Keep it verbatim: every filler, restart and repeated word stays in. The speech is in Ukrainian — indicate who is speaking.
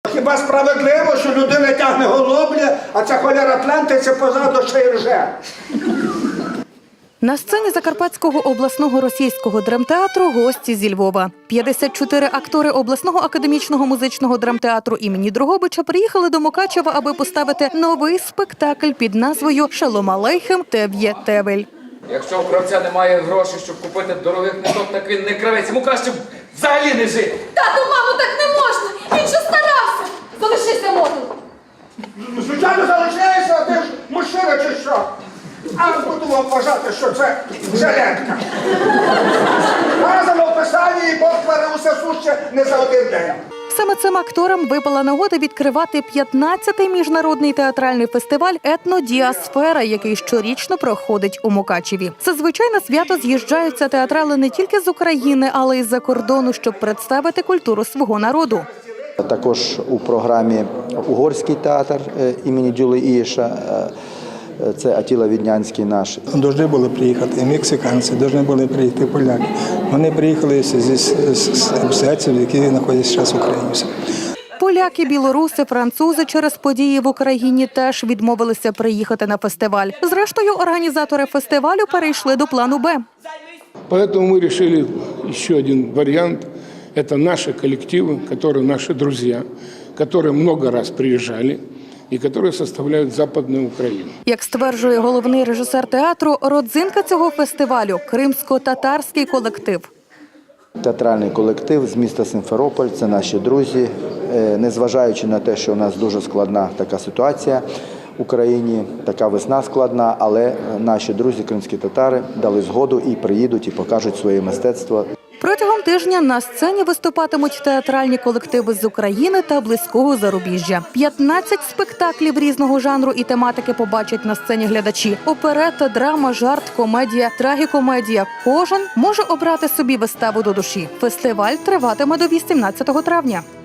Speaker 1: Хіба справедливо, що людина тягне голубля, а ця холера плентається позаду ще й рже?
Speaker 2: На сцені Закарпатського обласного російського драмтеатру гості зі Львова. п'ятдесят чотири актори обласного академічного музичного драмтеатру імені Дрогобича приїхали до Мукачева, аби поставити новий спектакль під назвою «Шалом алейхем Тев'є Тевель».
Speaker 3: Якщо у кравця немає грошей, щоб купити дорогих ниток, так він не кравець. Йому краще взагалі не жити.
Speaker 4: Тату, мамо, так не можна! Він же старався! Залишися, мотор!
Speaker 1: Звичайно, залишаєшся, а ти ж мужчина чи що? А буду вам вважати, що це жилетка. Разом описання і Бог творив усе суще не за один день.
Speaker 2: Саме цим акторам випала нагода відкривати п'ятнадцятий міжнародний театральний фестиваль «Етнодіасфера», який щорічно проходить у Мукачеві. Зазвичай на свято з'їжджаються театрали не тільки з України, але й з-за кордону, щоб представити культуру свого народу.
Speaker 5: Також у програмі угорський театр імені Дюли Ієша. Це Атіла Віднянський наш.
Speaker 6: Должны були приїхати мексиканці, повинні були приїхати поляки. Вони приїхали з обстоятельств, які знаходяться зараз в Україні.
Speaker 2: Поляки, білоруси, французи через події в Україні теж відмовилися приїхати на фестиваль. Зрештою, організатори фестивалю перейшли до плану «Б».
Speaker 7: Поэтому мы решили еще один вариант. Это наши коллективы, которые наши друзья, которые много раз приезжали і які составляють Западну Україну.
Speaker 2: Як стверджує головний режисер театру, родзинка цього фестивалю – кримсько-татарський колектив.
Speaker 5: Театральний колектив з міста Сімферополь – це наші друзі. Незважаючи на те, що у нас дуже складна така ситуація в Україні, така весна складна, але наші друзі, кримські татари, дали згоду і приїдуть, і покажуть своє мистецтво.
Speaker 2: Протягом тижня на сцені виступатимуть театральні колективи з України та близького зарубіжжя. п'ятнадцять спектаклів різного жанру і тематики побачать на сцені глядачі. Оперета, драма, жарт, комедія, трагікомедія. Кожен може обрати собі виставу до душі. Фестиваль триватиме до вісімнадцятого травня.